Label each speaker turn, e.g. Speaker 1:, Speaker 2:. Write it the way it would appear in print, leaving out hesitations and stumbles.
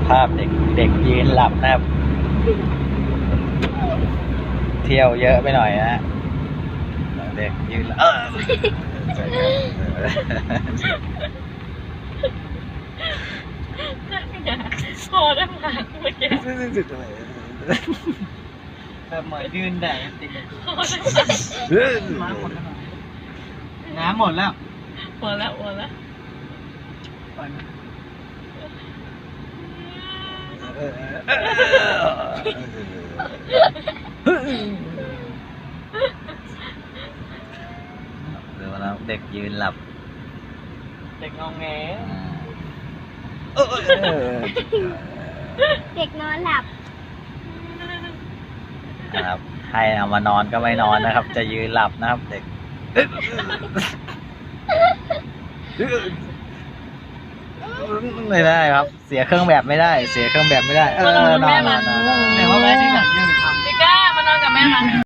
Speaker 1: ภาพเด็กยืนหลับนะครับเที่ยวเยอะไปหน่อยนะเด็กยืนหลับ
Speaker 2: คอด้านหลังเมื่อกี้
Speaker 3: แบบเหมือนยืนแดดติด
Speaker 2: คอด้านหลัง
Speaker 3: น้ำหมดแล้ว
Speaker 2: หัวแล้ว
Speaker 3: ปล่อยมัน
Speaker 1: ดูแล้วเด็กยืนหลับ
Speaker 3: เด็กงองแง
Speaker 4: เด็กนอนหลับ
Speaker 1: นะครับให้เอามานอนก็ไม่นอนนะครับ จะยืนหลับนะครับเด็กไม่ได้ครับ เสียเครื่องแบบไม่ได้ เสียเครื่องแบบไม่ได้นอน
Speaker 3: แต่ว่าแม่ที่หลังยืนทำ
Speaker 2: พี่ก้ามานอนกับแม่มา